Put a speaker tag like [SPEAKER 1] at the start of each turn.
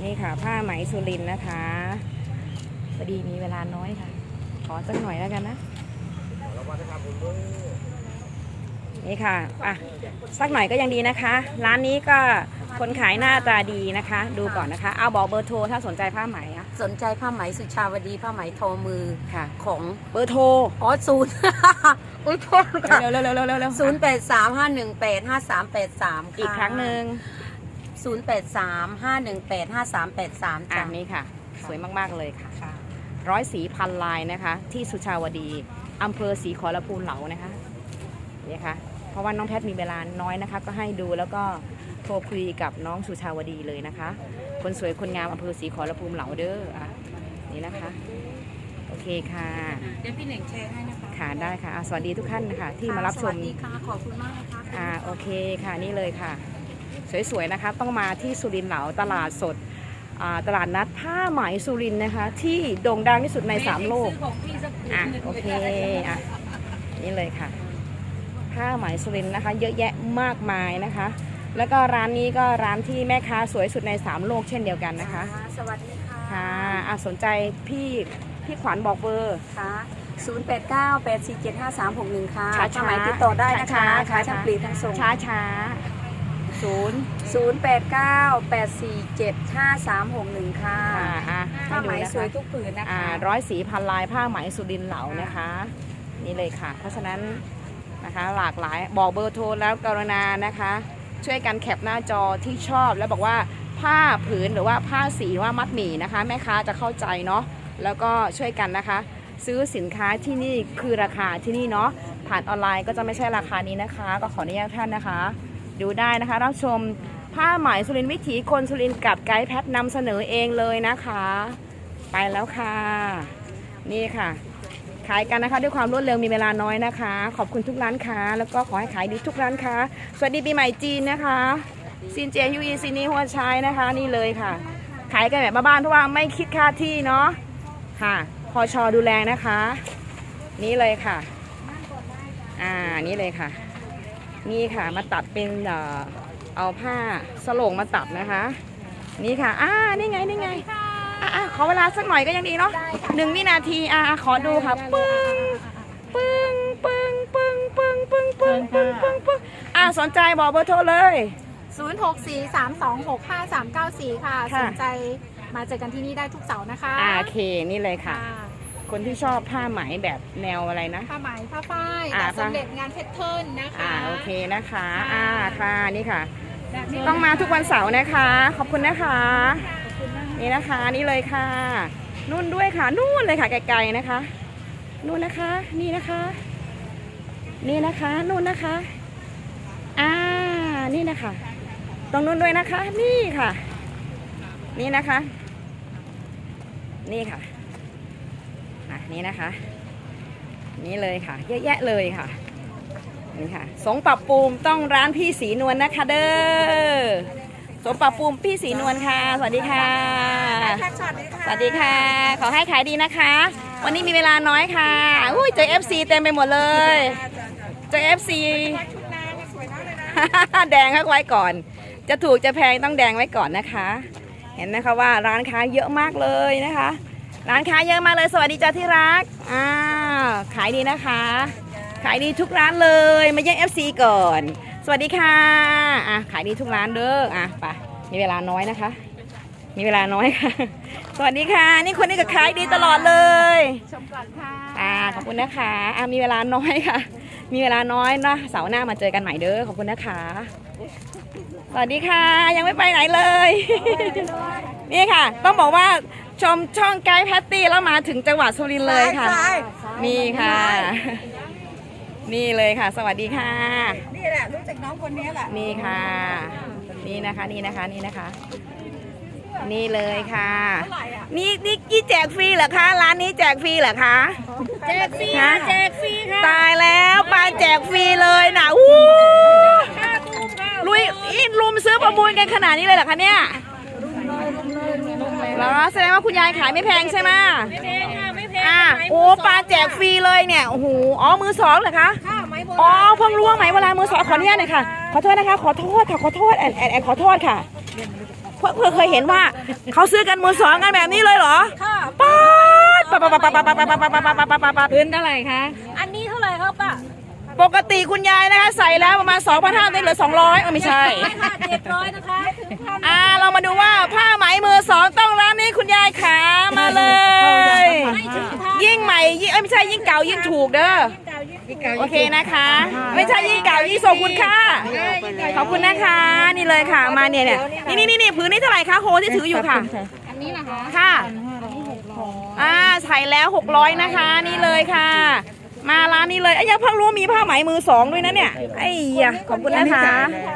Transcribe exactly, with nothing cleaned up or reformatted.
[SPEAKER 1] นี่ค่ะผ้าไหมสุรินทร์นะคะพอดีมีเวลาน้อยค่ะขอสักหน่อยแล้วกันนะนี่ค่ะอ่ะสักหน่อยก็ยังดีนะคะ ร้านนี้ก็คนขายหน้าตาดีนะคะ ดูก่อนนะคะเอาบอกเบอร์โทรถ้าสนใจผ้าไหมอะ
[SPEAKER 2] สนใจผ้าไหมสุชาวดีผ้าไหมทอมือ
[SPEAKER 1] ค่ะ
[SPEAKER 2] ของ
[SPEAKER 1] เบอร์โทร
[SPEAKER 2] อ๋อศูนย์อุ้ยโทษค่ะ
[SPEAKER 1] เร็วเร็วเร็วเร็วเร็ว
[SPEAKER 2] ศูนย์แปดสามห้าหนึ่งแปดห้าสามแปดสาม
[SPEAKER 1] อีกครั้งหนึ่ง
[SPEAKER 2] ศูนย์แปดสามห้าหนึ่งแปดห้าสามแปดสาม
[SPEAKER 1] อ่ะนี่ค่ะสวยมากๆเลยค่ะร้อยสีพันลายนะคะที่สุชาวดีอำเภอศรีขอรภูมิเหลานะคะนี่ค่ะเพราะว่าน้องแพทมีเวลาน้อยนะคะก็ให้ดูแล้วก็โทรคุยกับน้องสุชาวดีเลยนะคะคนสวยคนงามอำเภอศรีขอรภูมิเหลาเด้ออ่ะนี่นะคะโอเคค่ะ
[SPEAKER 2] เดี๋ยวพี่เหน่งแชร์ให้นะคะ
[SPEAKER 1] ค่ะได้ค่ะสวัสดีทุกท่านนะคะที่มารับชม
[SPEAKER 2] สวัสดีค่ะขอบคุณมากนะคะ
[SPEAKER 1] อ่าโอเคค่ะนี่เลยค่ะสวยๆนะคะต้องมาที่สุรินทร์เหลาตลาดสดตลาดนัดผ้าไหมสุรินทร์นะคะที่โด่งดังที่สุดในสามโลกอ่ะโอเคอ่ะนี่เลยค่ะผ้าไหมสุรินทร์นะคะเยอะแยะมากมายนะคะแล้วก็ร้านนี้ก็ร้านที่แม่ค้าสวยสุดในสามโลกเช่นเดียวกันนะคะ
[SPEAKER 2] สวัสดีค่ะ
[SPEAKER 1] ค่ะอ่ะสนใจพี่พี่ขวัญบอกเบอร์
[SPEAKER 2] ค่ะศูนย์แปดเก้าแปดสี่เจ็ดห้าสามหกหนึ่งค่ะ
[SPEAKER 1] ช้า
[SPEAKER 2] ช้าติดต่อได้นะคะขายทั้งปลีกทั้งส่ง
[SPEAKER 1] ช้าช้าศูนย์
[SPEAKER 2] ศูนย์แปดเก้าแปดสี่เจ็ดห้าสามหกหนึ่งค่ะผ้าไหมสวยทุกผืนนะคะ
[SPEAKER 1] ร้อยสีพันลายผ้าไหมสุรินทร์เหลานะคะนี่เลยค่ะเพราะฉะนั้นนะคะหลากหลายบอกเบอร์โทรแล้วกรุณานะคะช่วยกันแคปหน้าจอที่ชอบแล้วบอกว่าผ้าผืนหรือว่าผ้าสีว่ามัดหมี่นะคะแม่ค้าจะเข้าใจเนาะแล้วก็ช่วยกันนะคะซื้อสินค้าที่นี่คือราคาที่นี่เนาะผ่านออนไลน์ก็จะไม่ใช่ราคานี้นะคะก็ขออนุญาตท่านนะคะดูได้นะคะรับชมผ้าไหมสุรินทร์วิถีคนสุรินทร์กับไกด์แพทนำเสนอเองเลยนะคะไปแล้วค่ะนี่ค่ะขายกันนะคะด้วยความรวดเร็วมีเวลาน้อยนะคะขอบคุณทุกร้านค้าแล้วก็ขอให้ขายดีทุกร้านค้าสวัสดีปีใหม่จีนนะคะซินเจียยูอีซินีหัวใช้นะคะนี่เลยค่ะขายกันแบบบ้านๆเพราะว่าไม่คิดค่าที่เนาะค่ะพอชอดูแลนะคะนี่เลยค่ะอ่านี่เลยค่ะนี่ค่ะมาตัดเป็นเอ่อเอาผ้าสโลงมาตัดนะคะนี่ค่ะอ่านี่ไงนี่ไงอ่าขอเวลาสักหน่อยก็ยังดีเนาะหนึ่งวินาทีอ่าขอดูค่ะปึ้งปึ้งปึ้งปึ้งปึ้งปึ้งปึ้งปึ้งปึ้งปึ้งอ่าสนใจบอกเบอร์โทรเลย
[SPEAKER 3] ศูนย์ หก สี่ สาม สอง หก ห้า สาม เก้า สี่ค่ะสนใจมาเจอกันที่นี่ได้ทุกเสาร์นะคะ
[SPEAKER 1] อ่าโอเคนี่เลยค่ะคนที่ชอบผ้าไหมแบบแนวอะไรนะ
[SPEAKER 3] ผ้าไหมผ้าฝ้ายแบบสำเร็จงานเพชรเทิร์นนะคะ
[SPEAKER 1] อ่าโอเคนะคะอ่าค่ะนี่ค่ะต้องมาทุกวันเสาร์นะคะขอบคุณนะคะนี่นะคะนี่เลยค่ะนู่นด้วยค่ะนู่นเลยค่ะไกลๆนะคะนู่นนะคะนี่นะคะนี่นะคะนู่นนะคะอ่านี่นะคะตรงนู่นด้วยนะคะนี่ค่ะนี่นะคะนี่ค่ะอ่ะนี่นะคะนี่เลยค่ะเยอะแยะเลยค่ะนี่ค่ะสงปรับปรุงต้องร้านพี่สีนวลนะคะเด้อสงปรับปรุงพี่สีนวลค่ะสวัสดีค่ะสวัสดีค่ะขอให้ขายดีนะคะวันนี้มีเวลาน้อยค่ะอุ้ยเจอ เอฟ ซี เต็มไปหมดเลยเจอ เอฟ ซี แดงไว้ก่อนจะถูกจะแพงต้องแดงไว้ก่อนนะคะเห็นนะคะว่าร้านค้าเยอะมากเลยนะคะร้านค้าเยอะมากเลยสวัสดีจ้าที่รักอ้าวขายดีนะคะขายดีทุกร้านเลยมาเยี่ยม เอฟ ซี ก่อนสวัสดีค่ะอ่ะขายดีทุกร้านเด้ออ่ะไปมีเวลาน้อยนะคะมีเวลาน้อยค่ะสวัสดีค่ะนี่คนนี้ก็ขายดีตลอดเลย
[SPEAKER 3] ชมก่อนค่ะ
[SPEAKER 1] อ่าขอบคุณนะคะอ่ะมีเวลาน้อยค่ะมีเวลาน้อยนะเสาร์หน้ามาเจอกันใหม่เด้อขอบคุณนะคะสวัสดีค่ะยังไม่ไปไหนเลยนี่ค่ะต้องบอกว่าชมช่องไกด์แพตตี้แล้วมาถึงจังหวัดสุรินทร์เลยค่ะนี่ค่ะนี่เลยค่ะสวัสดีค่ะ
[SPEAKER 2] นี่แหละรู้จักน้องคนนี้แหละ
[SPEAKER 1] นี่ค่ะนี่นะคะนี่นะคะนี่นะคะนี่เลยค่ะนี่นี่กี่แจกฟรีเหรอคะร้านนี้แจกฟรีเหรอคะ
[SPEAKER 3] แจกฟรีแจกฟรีค่ะ
[SPEAKER 1] ตายแล้วปลาแจกฟรีเลยนะอู้ลุยอินลุมซื้อประมูลกันขนาดนี้เลยเหรอคะเนี่ยแล้วแสดงว่าคุณยายขายไม่แพงใช่ไหม
[SPEAKER 3] ไม่แพงค่ะไม่แพง
[SPEAKER 1] อ่ะโอ้ปลาแจกฟรีเลยเนี่ยโอ้โหอ๋อมือสองเหรอคะอ๋อเพิ่งรู้ว่าไหมเวลามือสองขออนุญาตหน่อยค่ะขอโทษนะคะขอโทษค่ะขอโทษแอนแอนแอนขอโทษค่ะเพื่อเคยเห็นว่าเขาซื้อกันมือสองกันแบบนี้เลยเหรอ
[SPEAKER 2] ค่ะ
[SPEAKER 1] ป๊าดป๊าดป๊าดป๊าดป๊าดป๊าดป๊าดป๊าดป๊าดป๊าดป๊าดป๊าด
[SPEAKER 3] พื้นเท่าไหร่คะ
[SPEAKER 2] อันนี้เท่าไหร่ครับป้า
[SPEAKER 1] ปกติคุณยายนะคะใส่แล้วประมาณ สองพันห้าร้อย ได้เหลือสองร้อยเออไม่ใช่
[SPEAKER 2] ไม่ค่ะเจ็ดร้อยนะคะ
[SPEAKER 1] อ่าเรามาดูว่าผ้าไหมมือสองต้องร้านนี้คุณยายขามาเลย
[SPEAKER 2] ไม่ถึงพัน
[SPEAKER 1] ยิ่งใหม่ยิ่งเอ้ยไม่ใช่ยิ่งเก่ายิ่งถูกเด้อโอเคนะคะ ไม่ใช่ยิ่งเก่ายิ่งส่งคุณค่าขอบคุณนะคะนี่เลยค่ะมาเนี่ยเนี่ยนี่นี่นี่ผืนนี้เท่าไหร่คะโฮที่ถืออยู่ค่ะ
[SPEAKER 3] อันนี้นะคะ
[SPEAKER 1] ค่ะอ่าใส่แล้วหกร้อยนะคะนี่เลยค่ะ มาร้านนี้เลยไอ้ยยังเพิ่งรู้ว่ามีผ้าไหมมือสองด้วยนะเนี่ยไอ้ยะขอบคุณนะคะ